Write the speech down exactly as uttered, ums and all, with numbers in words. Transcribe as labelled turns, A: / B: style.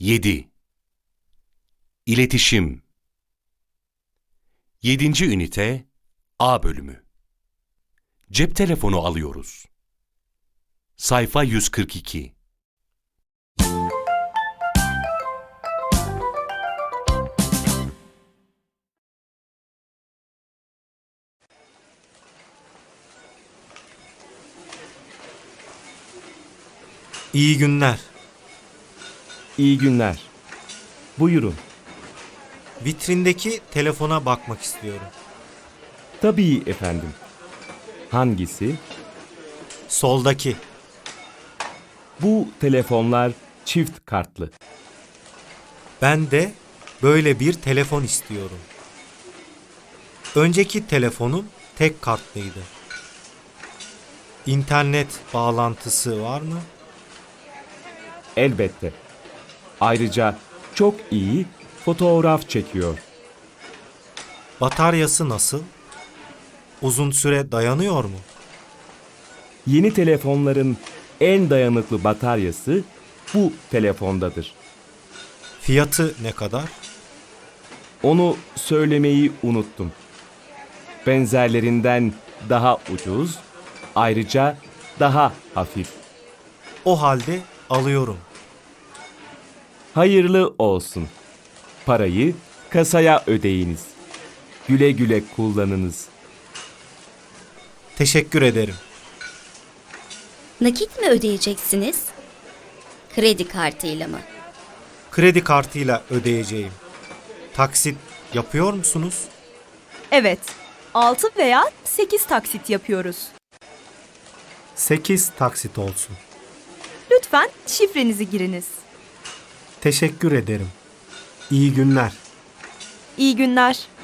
A: yedi. İletişim. Yedinci ünite A bölümü. Cep telefonu alıyoruz. Sayfa yüz kırk iki.
B: İyi günler.
C: İyi günler. Buyurun.
B: Vitrindeki telefona bakmak istiyorum.
C: Tabii efendim. Hangisi?
B: Soldaki.
C: Bu telefonlar çift kartlı.
B: Ben de böyle bir telefon istiyorum. Önceki telefonum tek kartlıydı. İnternet bağlantısı var mı?
C: Elbette. Ayrıca çok iyi fotoğraf çekiyor.
B: Bataryası nasıl? Uzun süre dayanıyor mu?
C: Yeni telefonların en dayanıklı bataryası bu telefondadır.
B: Fiyatı ne kadar?
C: Onu söylemeyi unuttum. Benzerlerinden daha ucuz, ayrıca daha hafif.
B: O halde alıyorum.
C: Hayırlı olsun. Parayı kasaya ödeyiniz. Güle güle kullanınız.
B: Teşekkür ederim.
D: Nakit mi ödeyeceksiniz? Kredi kartıyla mı?
B: Kredi kartıyla ödeyeceğim. Taksit yapıyor musunuz?
E: Evet, altı veya sekiz taksit yapıyoruz.
B: sekiz taksit olsun.
E: Lütfen şifrenizi giriniz.
B: Teşekkür ederim. İyi günler.
E: İyi günler.